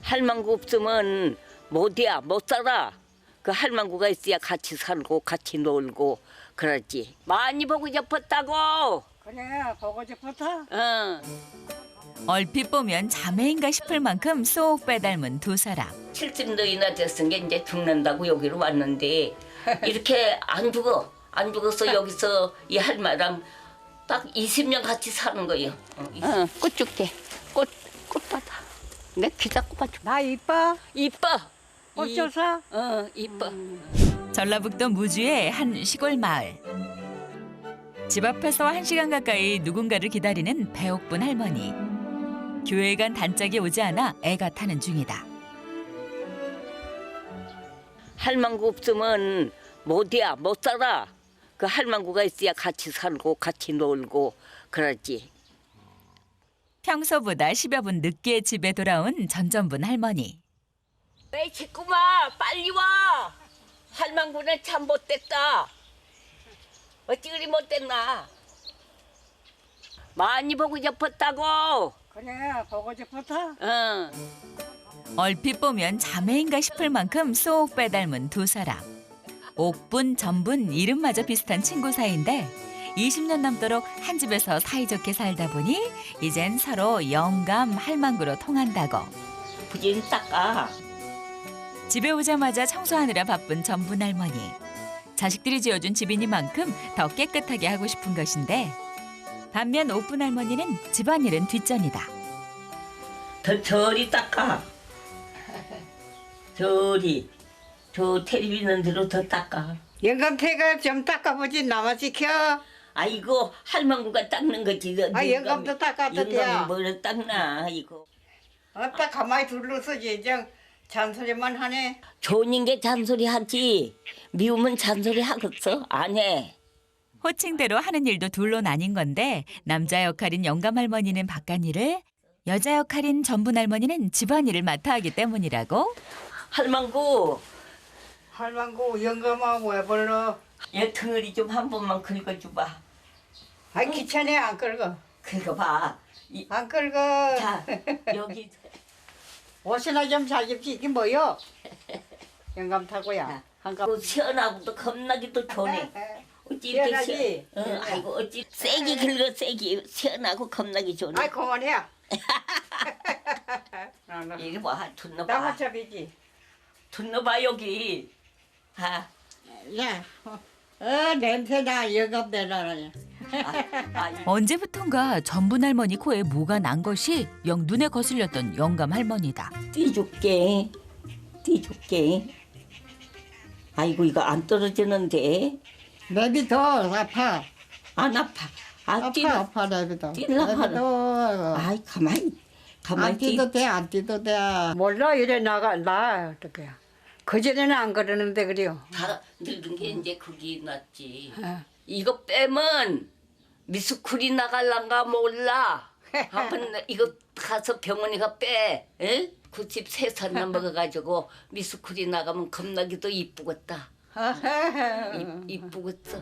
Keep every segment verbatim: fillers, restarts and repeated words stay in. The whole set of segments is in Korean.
할망구 없으면 못이야, 못 살아. 그 할망구가 있어야 같이 살고 같이 놀고 그러지. 많이 보고 싶었다고. 그래, 보고 싶었어. 응. 얼핏 보면 자매인가 싶을 만큼 쏙 빼닮은 두 사람. 칠십 너이나 됐은 게 이제 죽는다고 여기로 왔는데 이렇게 안 죽어. 안 죽어서 여기서 이 할마랑 딱 이십 년 같이 사는 거예요. 응, 꽃 줄게. 꽃, 꽃받아. 내 기다 꽃받 줄. 나 이뻐? 이뻐. 꽃 이- 줘서? 어, 이뻐. 전라북도 무주의 한 시골 마을. 집 앞에서 한 시간 가까이 누군가를 기다리는 배옥분 할머니. 교회에 간 단짝이 오지 않아 애가 타는 중이다. 할망구 없으면 못이야, 못 살아. 그 할망구가 있어야 같이 살고 같이 놀고 그러지. 평소보다 십여 분 늦게 집에 돌아온 전전분 할머니. 내 식구마 빨리 와. 할망구는 참 못됐다. 어찌 그리 못됐나. 많이 보고 싶었다고. 그래, 보고 싶었어. 응. 얼핏 보면 자매인가 싶을 만큼 쏙 빼닮은 두 사람. 옥분, 전분 이름마저 비슷한 친구 사이인데 이십 년 넘도록 한 집에서 사이좋게 살다 보니 이젠 서로 영감, 할망구로 통한다고. 부진 닦아. 집에 오자마자 청소하느라 바쁜 전분 할머니. 자식들이 지어준 집이니만큼 더 깨끗하게 하고 싶은 것인데 반면 옥분 할머니는 집안일은 뒷전이다. 더 저리 닦아. 저리. 저 텔레비 있는 대로 더 닦아. 영감태가 좀 닦아보지, 나만 시켜. 아이고 할망구가 닦는 거지. 아, 영감도 닦았던데야. 영감이 뭘 닦나 이거. 아따 가만히 둘러서지, 저 잔소리만 하네. 좋은 게 잔소리 하지. 미우면 잔소리 하겠어? 안 해. 호칭대로 하는 일도 둘로 나뉜 건데 남자 역할인 영감 할머니는 바깥일을, 여자 역할인 전분 할머니는 집안일을 맡아 하기 때문이라고. 할망구 할망구 영감하고 왜 불러? 얘 덩어리 좀 한 번만 긁어줘봐. 아이, 귀찮네, 안 끌고. 긁어봐. 이, 안 끌고. 자 여기 옷이나 좀 잘 입지, 이게 뭐요? 영감 타고야. 한가. 그 시원하고도 겁나기도 좋네. 어찌 이렇게 시원하지? 시원? 응, 아이고 어찌 세게 긁어 세게 시원하고 겁나기 좋네. 아이, 그만해. 이리 봐, 둔 넣어봐. 나무잡이지. 둔 넣어봐 여기. 아, 야, 어, 어 냄새나, 영감 내놔라. 아, 아, 언제부턴가 전분 할머니 코에 뭐가 난 것이 영 눈에 거슬렸던 영감 할머니다. 띄줄게, 띄줄게. 아이고 이거 안 떨어지는데. 내비 더 아파. 안 아파. 안 아파, 뛰. 아파, 내비 더. 뛸라 내비 하라. 더. 아이 가만히, 가만히 안 뛰. 뛰도 돼, 안 뛰도 돼. 몰라, 이래 나가, 나, 어떡해. 그전에는 안 그러는데, 그래요. 다 늙은 게 이제 거기 났지. 어. 이거 빼면 미스쿨이 나갈란가 몰라. 한번 이거 가서 병원에 가 빼. 에? 구십세 살 넘어가가지고 미스쿨이 나가면 겁나기도 이쁘겠다. 이, 이쁘겠어.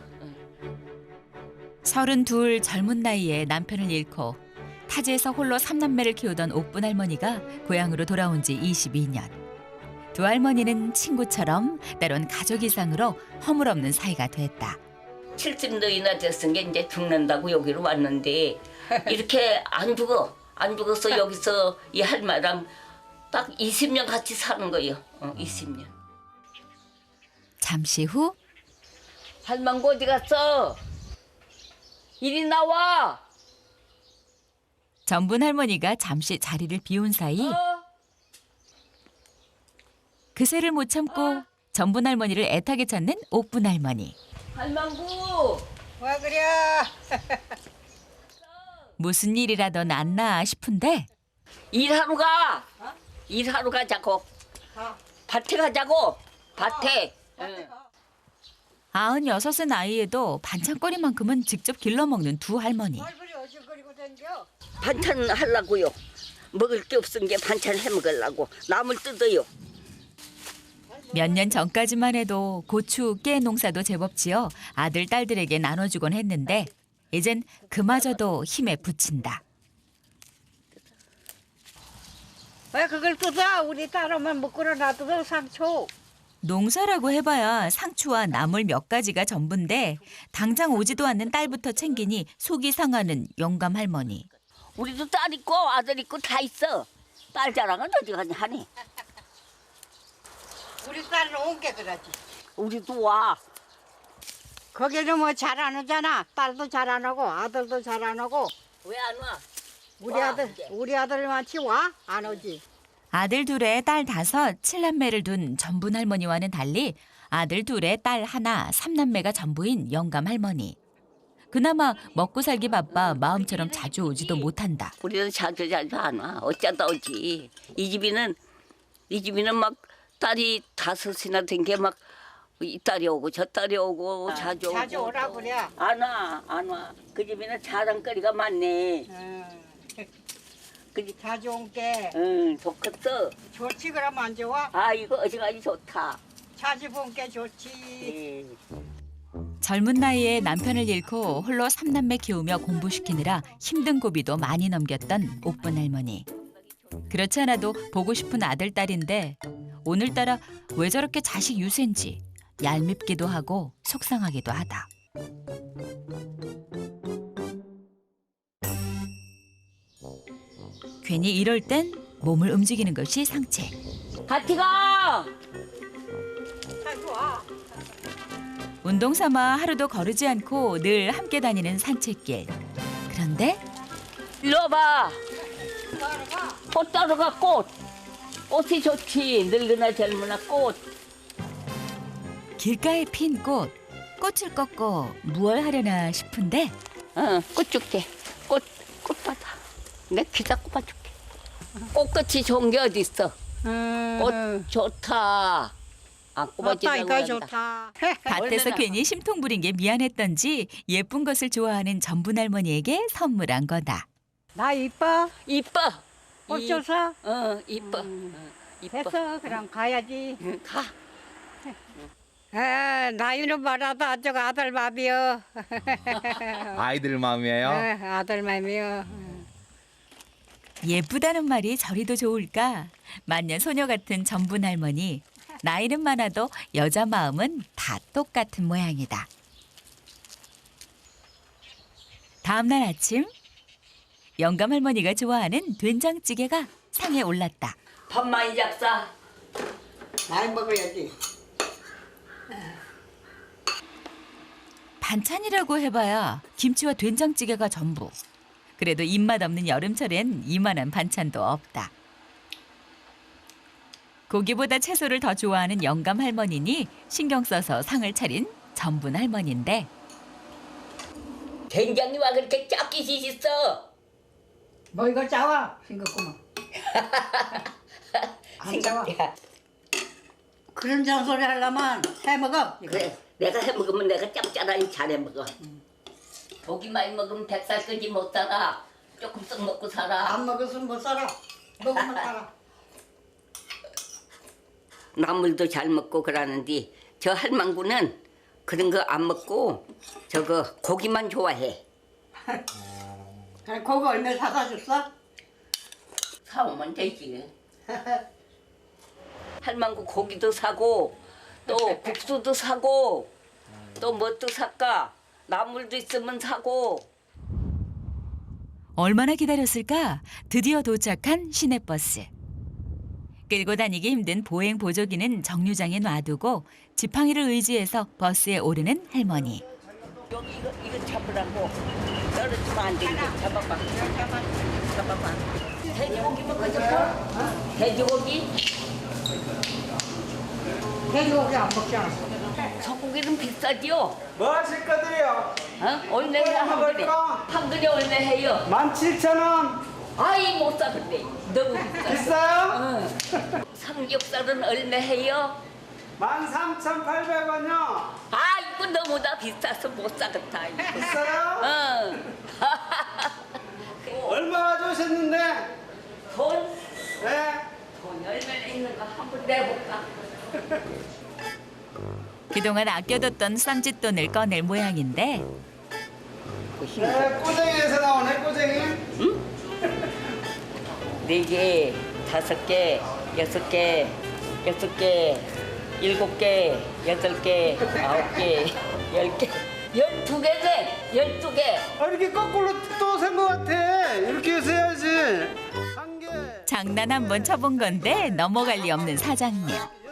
서른둘 젊은 나이에 남편을 잃고 타지에서 홀로 삼남매를 키우던 옥분 할머니가 고향으로 돌아온 지 이십이 년. 두 할머니는 친구처럼 때론 가족 이상으로 허물없는 사이가 됐다. 칠십 너이나 됐은 게 이제 죽는다고 여기로 왔는데 이렇게 안 죽어. 안 죽어서 여기서 이 할마랑 딱 이십 년 같이 사는 거예요. 어, 이십 년. 잠시 후 할망구 어디 갔어? 이리 나와. 전분 할머니가 잠시 자리를 비운 사이 어? 그새를 못 참고 전분 할머니를 애타게 찾는 옥분 할머니. 할망구. 왜 그래? 무슨 일이라도 났나 싶은데 일하러 가. 일하러 가자고. 밭에 가자고. 밭에. 응. 아흔여섯의 나이에도 반찬거리만큼은 직접 길러먹는 두 할머니. 뭘 그래, 어질거리고 댕겨? 반찬 하려고요. 먹을 게 없은 게 반찬 해 먹으려고. 나물 뜯어요. 몇 년 전까지만 해도 고추, 깨 농사도 제법 지어 아들, 딸들에게 나눠주곤 했는데 이젠 그마저도 힘에 부친다. 왜 그걸 뜯어? 우리 딸오면 먹고는 놔두고 상초. 농사라고 해봐야 상추와 나물 몇 가지가 전부인데 당장 오지도 않는 딸부터 챙기니 속이 상하는 영감 할머니. 우리도 딸 있고 아들 있고 다 있어. 딸 자랑은 어디 가냐 하니. 우리 딸은 온게 그러지. 우리도 와. 거기는 뭐 잘 안 오잖아. 딸도 잘 안 오고 아들도 잘 안 오고. 왜 안 와? 우리 와, 아들 이제. 우리 아들만치 와? 안 오지. 아들 둘에 딸 다섯, 칠남매를 둔 전분 할머니와는 달리 아들 둘에 딸 하나, 삼남매가 전부인 영감 할머니. 그나마 먹고 살기 바빠 마음처럼 자주 오지도 못한다. 우리는 자주 자주 안 와. 어쩌다 오지. 이 집이는 이 집이는 막 딸이 다섯이나 된 게 막 이 딸이 오고 저 딸이 오고 자주 오고. 자주 오라 그래. 안 와, 안 와. 그 집에는 자랑거리가 많네. 응. 그 집, 자주 온게 응, 좋겠어. 좋지 그럼 안 좋아? 아, 이거 어지간히 좋다. 자주 본게 좋지. 예. 젊은 나이에 남편을 잃고 홀로 삼남매 키우며 공부시키느라 힘든 고비도 많이 넘겼던 옥분 할머니. 그렇지 않아도 보고 싶은 아들, 딸인데 오늘따라 왜 저렇게 자식 유세인지 얄밉기도 하고 속상하기도 하다. 괜히 이럴 땐 몸을 움직이는 것이 상책. 같이 가! 자주 와. 운동 삼아 하루도 거르지 않고 늘 함께 다니는 산책길. 그런데 일로 와봐. 따라가. 꽃 따러 가, 꽃. 꽃이 좋지. 늙으나 젊으나 꽃. 길가에 핀 꽃, 꽃을 꺾고 무얼 하려나 싶은데 어, 꽃 줄게. 꽃, 꽃 받아. 내 기다 꽃 줄게. 꽃같이 좋은 게 어디 있어? 응. 꽃 좋다. 안 꼽아지려고 맞다 이거 한다. 좋다. 밭에서 얼마나- 괜히 심통 부린 게 미안했던지 예쁜 것을 좋아하는 전분 할머니에게 선물한 거다. 나 이뻐? 이뻐. 꽃 이- 줘서? 어, 이뻐. 어, 이뻐. 됐어 그럼 가야지. 응, 가. 아, 나이는 많아도 아직 아들 맘이여. 아이들 마음이에요. 아, 아들 맘이여. 예쁘다는 말이 저리도 좋을까? 만년 소녀 같은 전분 할머니. 나이는 많아도 여자 마음은 다 똑같은 모양이다. 다음 날 아침 영감 할머니가 좋아하는 된장찌개가 상에 올랐다. 밥 많이 잡사. 많이 먹어야지. 반찬이라고 해봐야 김치와 된장찌개가 전부. 그래도 입맛 없는 여름철엔 이만한 반찬도 없다. 고기보다 채소를 더 좋아하는 영감 할머니니 신경 써서 상을 차린 전분 할머니인데 된장이 와 그렇게 작게 씻었어. 뭐 이거 짜와? 싱겁구만. 안 짜와. 그런 잔소리 하려면 해먹어. 이거. 그래, 내가 해 먹으면 내가 짭짤하니 잘해 먹어. 고기 많이 먹으면 백살 끄지 못 살아. 조금씩 먹고 살아. 안 먹었으면 못 살아. 먹으면 살아. 나물도 잘 먹고 그러는데 저 할망구는 그런 거 안 먹고 저거 고기만 좋아해. 그래, 고기 얼마 사다 줬어? 사오면 되지. 할망구 고기도 사고 또 국수도 사고 또 뭣도 살까? 나물도 있으면 사고. 얼마나 기다렸을까? 드디어 도착한 시내버스. 끌고 다니기 힘든 보행 보조기는 정류장에 놔두고 지팡이를 의지해서 버스에 오르는 할머니. 여기 이거 이거 잡으라고. 떨어지면 안 돼. 이거 잡아봐. 잡아봐. 돼지고기 먹고 싶어? 돼지고기? 돼지고기 안 먹잖아. 소고기는 비싸지요? 뭐 하실 거들이요? 어? 얼마 해요? 한 근에? 한 근에 얼마 해요? 만 칠천 원. 아이 못 사겠네. 너무 비싸. 비싸요? 응. 삼겹살은 얼마 해요? 만 삼천 팔백 원요. 아 이거 너무나 비싸서 못 사겠다. 이거. 비싸요? 응. 얼마 가져오셨는데? 돈? 네. 돈 얼마나 있는가 한번 내볼까? 그동안 아껴뒀던 쌈짓돈을 꺼낼 모양인데 네, 꼬쟁이에서 나오네, 꼬쟁이. 네개 다섯 개, 여섯 개, 여섯 개, 일곱 개, 여덟 개, 아홉 개, 열 개, 열두 개네, 열두 개. 아, 이렇게 거꾸로 또 센 것 같아. 이렇게 해서 해야지. 한 개. 장난 한번 쳐본 건데 넘어갈 리 없는 사장님.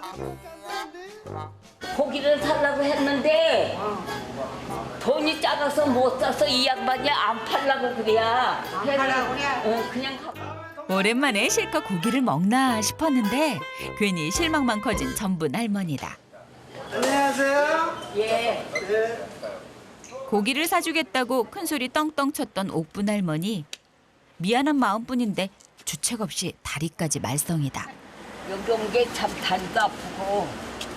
고기를 살라고 했는데 돈이 작아서 못 사서 이 양반이 안 팔라고 그래야. 안 팔라고 그래? 어, 그냥 가. 오랜만에 실컷 고기를 먹나 싶었는데 괜히 실망만 커진 전분 할머니다. 안녕하세요. 예. 네. 고기를 사주겠다고 큰소리 떵떵 쳤던 옥분 할머니. 미안한 마음뿐인데 주책 없이 다리까지 말썽이다. 여기 온 게 참 다리가 아프고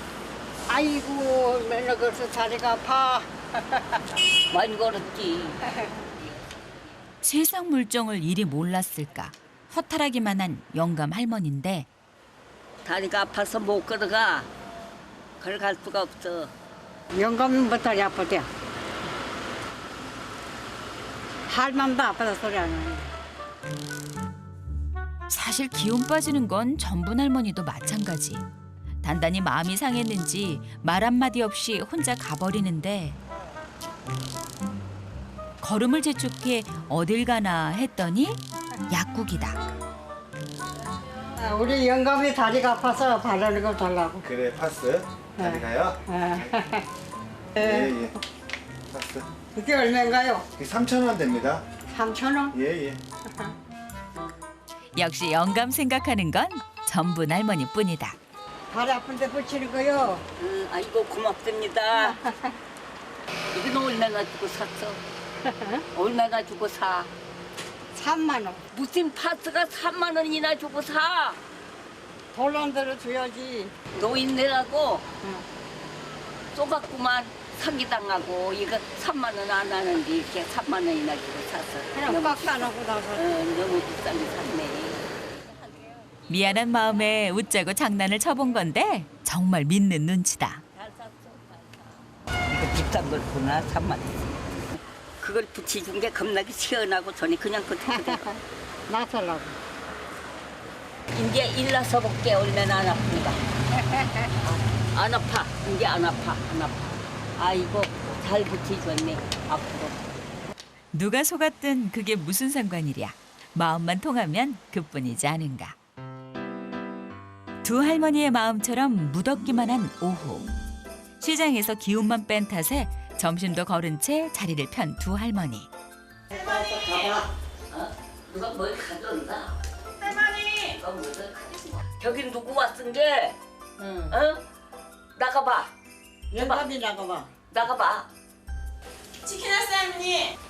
아이고 맨날 그래서 다리가 아파. 많이 걸었지. 세상 물정을 이리 몰랐을까. 허탈하기만 한 영감 할머니인데 다리가 아파서 못 걸어가. 걸어갈 수가 없어. 영감은 뭐 다리 아프대. 할맘도 아파서 소리 안 하네. 사실 기운 빠지는 건 전분 할머니도 마찬가지. 단단히 마음이 상했는지 말 한마디 없이 혼자 가버리는데 걸음을 재촉해 어딜 가나 했더니 약국이다. 아, 우리 영감이 다리가 아파서 바르는 거 달라고. 그래 파스 다리가요? 예예 파스 이게 얼마인가요? 이게 삼천 원 됩니다. 삼천 원? 예예 역시 영감 생각하는 건 전분 할머니뿐이다. 다리 아픈데 붙이는 거요. 응, 아이고 고맙습니다. 이건 얼마나 주고 샀어? 얼마나 주고 사? 삼만 원. 무슨 파스가 삼만 원이나 주고 사? 돈안 들어 줘야지. 노인네라고 쏘갖구만 사기당하고 이거 삼만 원 안 하는데 이렇게 삼만 원이나 주고 샀어. 그냥 너무, 꽉 싸놓고 나서. 어, 너무 비싸게 샀네. 미안한 마음에 웃자고 장난을 쳐본 건데 정말 믿는 눈치다. 잘 샀어, 잘 사. 이거 비싼 걸 보나 삼만 원. 그걸 붙여준 게 겁나게 시원하고 전에 그냥 그대로. 나서라고. 이제 일나서 볼게 얼마나 안 아픈가. 아, 안 아파. 이제 안 아파. 안 아파. 아이고 잘 붙여줬네. 앞으로. 누가 속았든 그게 무슨 상관이랴. 마음만 통하면 그뿐이지 않은가. 두 할머니의 마음처럼 무덥기만 한 오후. 시장에서 기운만 뺀 탓에 점심도 거른 채 자리를 편 두 할머니. 가봐. 어? 누가 뭘 가져온다. 할머니! 누가 뭘 가져온다. 저기 누구 왔은 게? 응. 어? 나가봐. 영감이 나가봐. 나가봐. 치킨 왔어요, 할머니!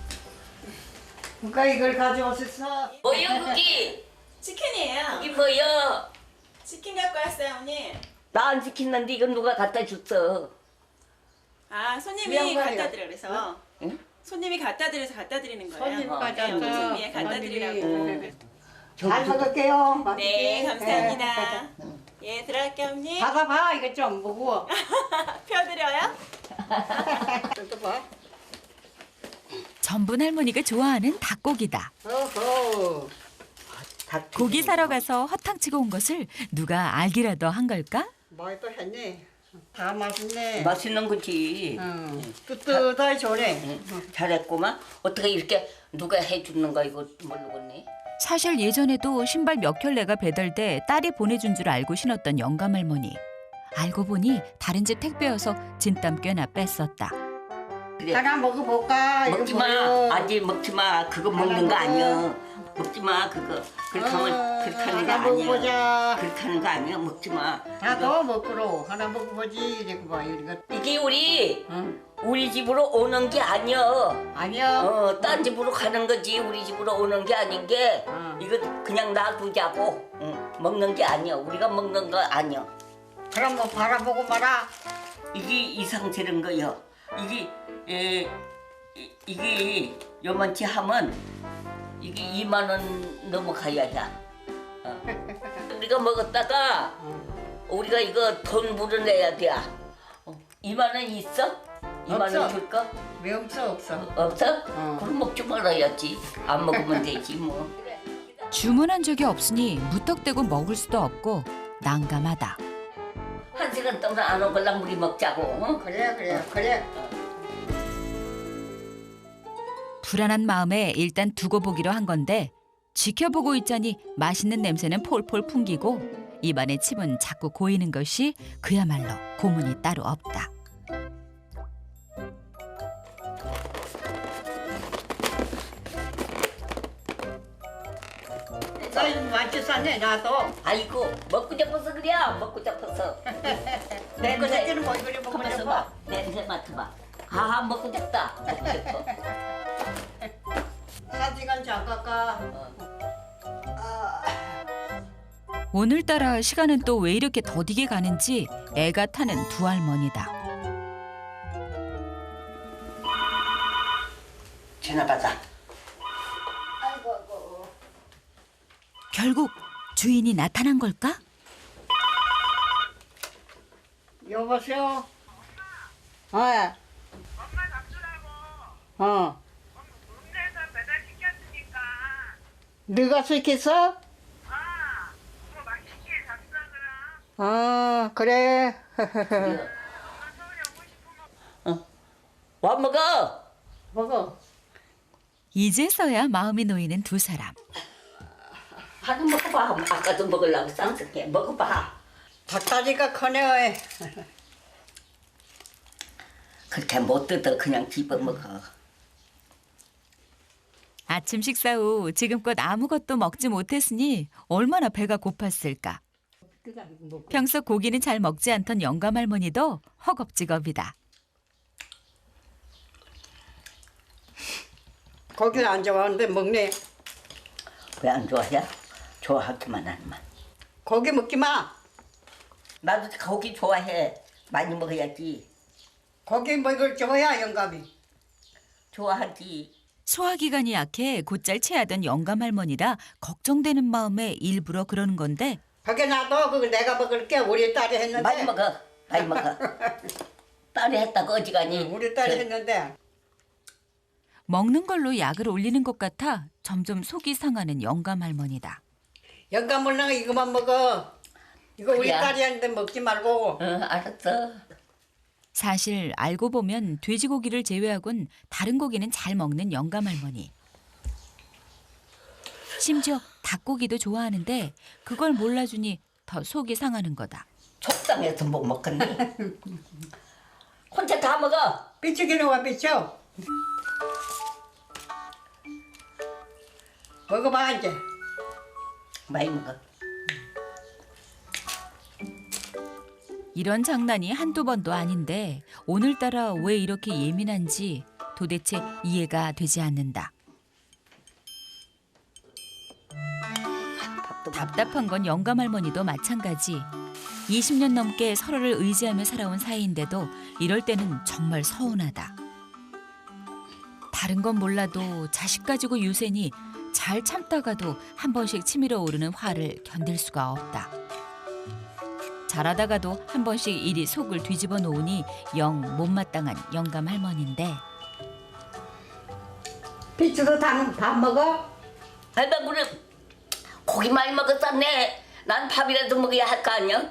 누가 이걸 가져오셨어? 뭐야 그게? 치킨이에요. 이게 뭐야? 치킨 갖고 왔어요, 어머니. 나 안 시켰는데 이건 누가 갖다 줬어? 아, 손님이 양말이요. 갖다 드려 그래서. 응? 손님이 갖다 드려서 갖다 드리는 거예요. 손님 어, 가져왔어. 네, 손님이 갖다 드리라고. 잘 먹을게요. 네, 맛있게. 감사합니다. 예, 들어갈게요, 어머니. 받아봐. 이거 좀 무거워. 펴드려요? 또 봐. 전분 할머니가 좋아하는 닭고기다. 어허. 고기 사러 가서 허탕치고 온 것을 누가 알기라도 한 걸까? 많이 또 했네. 다 맛있네. 맛있는 거지. 응. 뜨뜻하게 좋네. 잘했구만. 어떻게 이렇게 누가 해주는 거 이거 모르겠네. 사실 예전에도 신발 몇 켤레가 배달돼 딸이 보내준 줄 알고 신었던 영감 할머니. 알고 보니 다른 집 택배여서 진땀 꽤나 뺐었다. 그래. 하나 먹어볼까? 이거 먹지 마. 뭐요? 아직 먹지 마. 그거 먹는 거 아니야. 먹지 마. 그거. 그렇게 하면 그렇게 하는 거 하나 아니야. 먹어보자. 그렇게 하는 거 아니야. 먹지 마. 다 더 먹으러 하나 먹어보지. 이렇게 봐. 이거. 이게 우리 응. 우리 집으로 오는 게 아니야. 아니야. 어, 딴 집으로 가는 거지. 우리 집으로 오는 게 아닌 게 응. 이거 그냥 놔두자고. 응. 먹는 게 아니야. 우리가 먹는 거 아니야. 그럼 뭐 바라보고 말아. 이게 이상스러운 거요. 이게 에, 이- 이게 요만치 하면 이게 이만 원 넘어가야 해. 어. 우리가 먹었다가 우리가 이거 돈 물어내야 돼. 어. 이만 원 있어? 이만 원 없어. 줄까? 왜 없어 없어. 없어? 어. 그럼 먹지 말아야지. 안 먹으면 되지 뭐. 주문한 적이 없으니 무턱대고 먹을 수도 없고 난감하다. 한 시간 동안 안 오걸랑 우리 먹자고. 어? 그래 그래 그래. 불안한 마음에 일단 두고 보기로 한 건데 지켜보고 있자니 맛있는 냄새는 폴폴 풍기고 입안에 침은 자꾸 고이는 것이 그야말로 고문이 따로 없다. 나 많이 쌌네 나도. 아이고 먹고 싶어서 그래. 먹고 싶어서. 내 새끼는 뭐 그래 먹고 가만있어 싶어. 봐. 냄새 맡아봐. 아 먹고 싶다. 먹고 싶어. 사지간 잠깐까. 오늘따라 시간은 또 왜 이렇게 더디게 가는지 애가 타는 두 할머니다. 전화 받아. 결국 주인이 나타난 걸까? 여보세요. 어. 엄마 잡수라고. 어. 동네에서 배달시켰으니까 네가 시켰어? 아, 그거 맛있게 잡수라 그럼. 어 그래. 엄마 서울에 오고 싶으면 와 먹어. 먹어. 이제서야 마음이 놓이는 두 사람. 하나 먹어봐. 아까도 먹으려고 쌍쌍해. 먹어봐. 닭다리가 크네. 그렇게 못 뜯어 그냥 집어 먹어. 아침 식사 후 지금껏 아무것도 먹지 못했으니 얼마나 배가 고팠을까. 평소 고기는 잘 먹지 않던 영감 할머니도 허겁지겁이다. 고기를 안 좋아하는데 먹네. 왜 안 좋아해? 좋아하기만 하지만. 고기 먹지 마. 나도 고기 좋아해. 많이 먹어야지. 고기 먹을 좋아야 영감이. 좋아하지. 소화기관이 약해 곧잘 체하던 영감 할머니라 걱정되는 마음에 일부러 그러는 건데 거기 놔둬. 그거 내가 먹을게. 우리 딸이 했는데. 많이 먹어. 많이 먹어. 딸이 했다고 어지간히. 우리 딸이 저- 했는데. 먹는 걸로 약을 올리는 것 같아 점점 속이 상하는 영감 할머니다. 영감 먹는 거 이거만 먹어. 이거 우리 그래야. 딸이 했는데 먹지 말고. 응 알았어. 사실 알고 보면 돼지고기를 제외하곤 다른 고기는 잘 먹는 영감 할머니. 심지어 닭고기도 좋아하는데 그걸 몰라주니 더 속이 상하는 거다. 속상해서 못 먹겠니? 혼자 다 먹어. 삐죽이는 와 삐죽. 먹어봐 이제. 많이 먹어. 이런 장난이 한두 번도 아닌데 오늘따라 왜 이렇게 예민한지 도대체 이해가 되지 않는다. 답답한 건 영감 할머니도 마찬가지. 이십 년 넘게 서로를 의지하며 살아온 사이인데도 이럴 때는 정말 서운하다. 다른 건 몰라도 자식 가지고 유세니 잘 참다가도 한 번씩 치밀어 오르는 화를 견딜 수가 없다. 잘하다가도 한 번씩 이리 속을 뒤집어 놓으니 영 못마땅한 영감 할머니인데 삐죽도 다, 다 먹어? 할배 그래 고기 많이 먹었었네. 난 밥이라도 먹어야 할 거 아니야?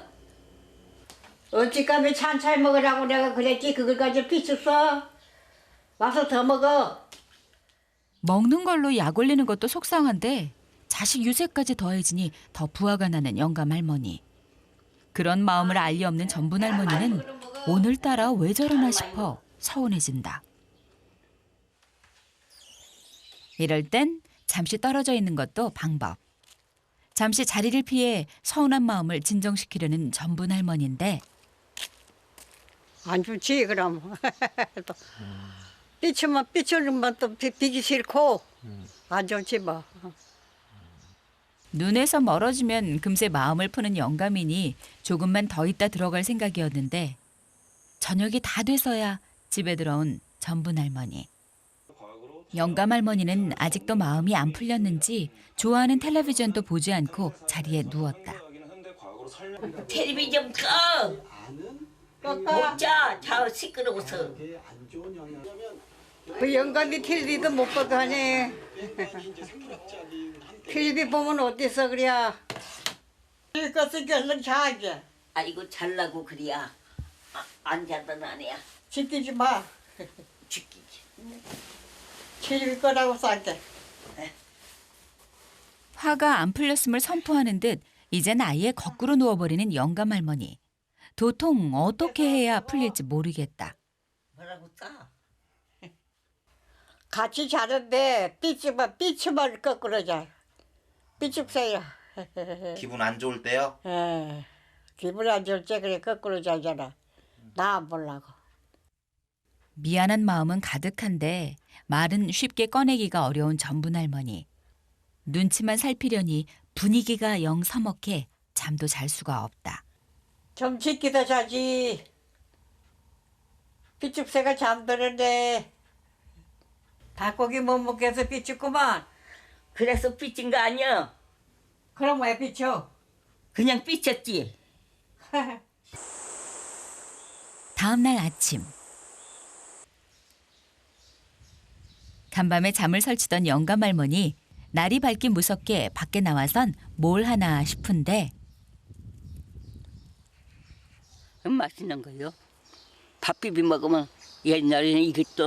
어찌까지 찬찬히 먹으라고 내가 그랬지. 그걸 가지고 삐죽 써. 와서 더 먹어. 먹는 걸로 약 올리는 것도 속상한데 자식 유세까지 더해지니 더 부하가 나는 영감 할머니. 그런 마음을 알리 없는 전분 할머니는 오늘따라 왜 저러나 싶어 서운해진다. 이럴 땐 잠시 떨어져 있는 것도 방법. 잠시 자리를 피해 서운한 마음을 진정시키려는 전분 할머니인데 안 좋지 그럼. 또 삐치면 삐치는 또 비- 비기 싫고 안 좋지 뭐. 눈에서 멀어지면 금세 마음을 푸는 영감이니 조금만 더 있다 들어갈 생각이었는데 저녁이 다 돼서야 집에 들어온 전분 할머니. 영감 할머니는 아직도 마음이 안 풀렸는지 좋아하는 텔레비전도 보지 않고 자리에 누웠다. 텔레비전 꺼. 먹자. 자 시끄러워서. 그 영감이 텔레비도 못 보고 하네. 텔레비 보면 어땠어 그래야. 이것을 얼른 자게. 아이고 잘라고 그래야. 아, 안 자던 아니야. 지키지 마. 죽기지. 텔레비 거라고 쌀게. 화가 안 풀렸음을 선포하는 듯 이젠 아예 거꾸로 누워버리는 영감 할머니. 도통 어떻게 해야 풀릴지 모르겠다. 뭐라고 싸? 같이 자는데 삐집어 삐침을 거꾸로 자. 삐집세요. 기분 안 좋을 때요? 예. 기분 안 좋을 때 그래 거꾸로 자잖아. 나 안 보려고. 미안한 마음은 가득한데 말은 쉽게 꺼내기가 어려운 전분 할머니. 눈치만 살피려니 분위기가 영 서먹해 잠도 잘 수가 없다. 좀 지키다 자지. 삐집새가 잠드는데 닭고기 못 먹게 해서 삐집구만. 그래서 삐진 거 아니야? 그럼 왜 삐쳐? 그냥 삐쳤지. 다음 날 아침. 간밤에 잠을 설치던 영감 할머니. 날이 밝기 무섭게 밖에 나와선 뭘 하나 싶은데 음, 맛있는 거요. 밥 비비 먹으면 옛날에는 이것도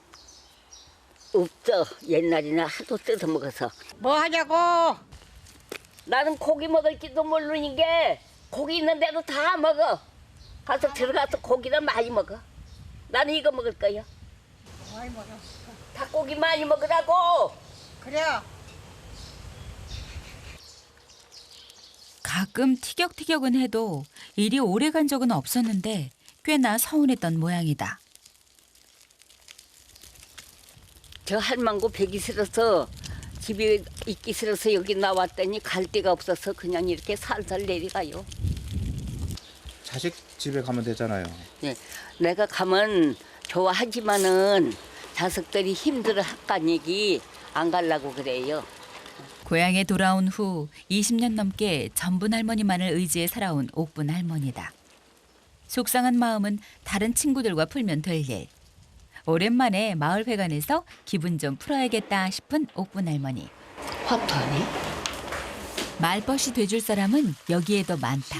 없어. 옛날에는 하도 뜯어 먹어서. 뭐 하냐고? 나는 고기 먹을지도 모르는 게 고기 있는 대로 다 먹어. 가서 들어가서 고기를 많이 먹어. 나는 이거 먹을 거야. 많이 먹어. 닭고기 많이 먹으라고. 그래. 가끔 티격태격은 해도 이리 오래 간 적은 없었는데 꽤나 서운했던 모양이다. 저 할망구 배기 싫어서 집에 있기 싫어서 여기 나왔더니 갈 데가 없어서 그냥 이렇게 살살 내려가요. 자식 집에 가면 되잖아요. 네, 내가 가면 좋아하지만은 자식들이 힘들어 할까 얘기 안 가려고 그래요. 고향에 돌아온 후 이십 년 넘게 전분 할머니만을 의지해 살아온 옥분 할머니다. 속상한 마음은 다른 친구들과 풀면 될 일. 오랜만에 마을 회관에서 기분 좀 풀어야겠다 싶은 옥분 할머니. 화투하네? 말벗이 돼줄 사람은 여기에도 많다.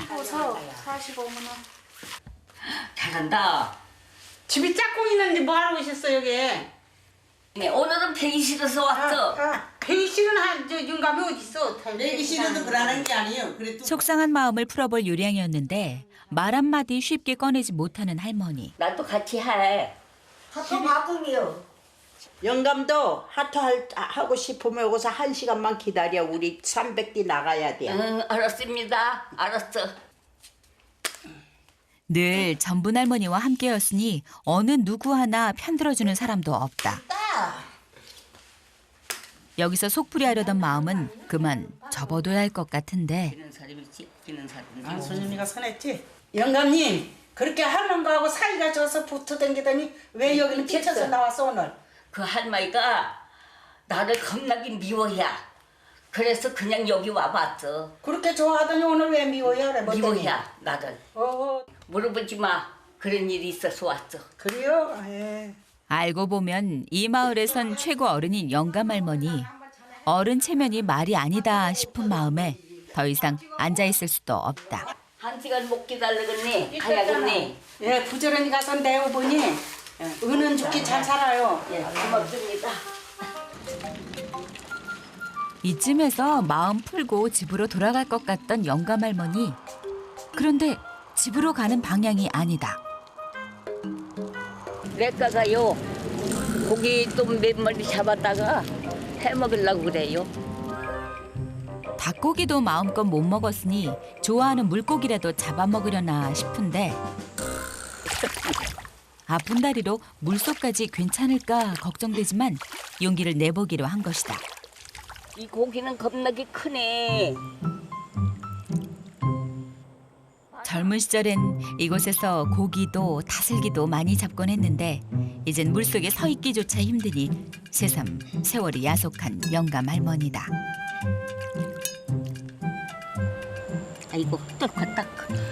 잘한다. 집이 짝꿍 있는데 뭐 하고 있었어 여기? 네, 오늘은 배기 싫어서 왔어. 배기 싫은 한저 윤감이 어디 있어? 배기 싫어도 그러는 게 아니에요. 그래도 속상한 마음을 풀어볼 요량이었는데 말 한마디 쉽게 꺼내지 못하는 할머니. 나도 같이 해. 하도 바꿈이요. 영감도 하트 할, 하고 싶으면 여기서 한 시간만 기다려. 우리 삼백 기 나가야 돼. 응, 알았습니다. 알았어. 늘 전분 할머니와 함께였으니 어느 누구 하나 편들어주는 사람도 없다. 여기서 속풀이하려던 마음은 그만 접어둬야 할 것 같은데 기는 사람이지, 기는 사람이지. 아, 손님이가 선했지? 영감님, 그렇게 하는 거하고 사이가 져서 붙어 댕기더니 왜 여기는 피쳐서 나왔어 오늘? 그 할머니가 나를 겁나게 미워야. 그래서 그냥 여기 와봤어. 그렇게 좋아하더니 오늘 왜 미워야? 그래, 뭐 때문에? 미워야 나를. 어, 물어보지 마. 그런 일이 있어서 왔어. 그래요? 에. 알고 보면 이 마을에선 최고 어른인 영감 할머니. 어른 체면이 말이 아니다 싶은 마음에 더 이상 앉아있을 수도 없다. 한 시간 못 기다리겠네. 가야겠네. 예, 부지런히 가서 내어보니 은은 좋게 잘 살아요. 예, 고맙습니다. 이쯤에서 마음 풀고 집으로 돌아갈 것 같던 영감 할머니. 그런데 집으로 가는 방향이 아니다. 내가가요 고기 좀 몇 마리 잡았다가 해 먹으려고 그래요. 닭고기도 마음껏 못 먹었으니 좋아하는 물고기라도 잡아먹으려나 싶은데 아픈 다리로 물속까지 괜찮을까 걱정되지만 용기를 내보기로 한 것이다. 이 고기는 겁나게 크네. 젊은 시절엔 이곳에서 고기도 다슬기도 많이 잡곤 했는데 이젠 물속에 서 있기조차 힘드니 새삼 세월이 야속한 영감 할머니다. 아이고 뚫었다.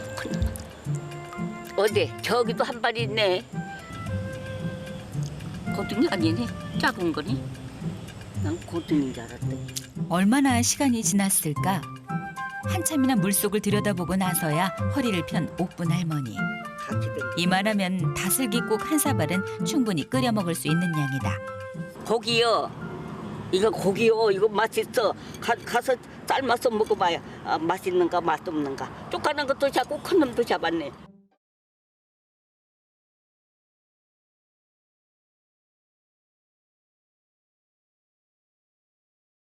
어디 저기도 한 발 있네. 고등이 아니네. 작은 거니. 난 고등인 줄 알았더니. 얼마나 시간이 지났을까? 한참이나 물속을 들여다보고 나서야 허리를 편 옥분 할머니. 같이 된 이만하면 다슬기국 한 사발은 충분히 끓여 먹을 수 있는 양이다. 고기요. 이거 고기요. 이거 맛있어. 가, 가서 삶아서 먹어봐요. 아, 맛있는가 맛없는가. 쪽가는 것도 잡고 큰 놈도 잡았네.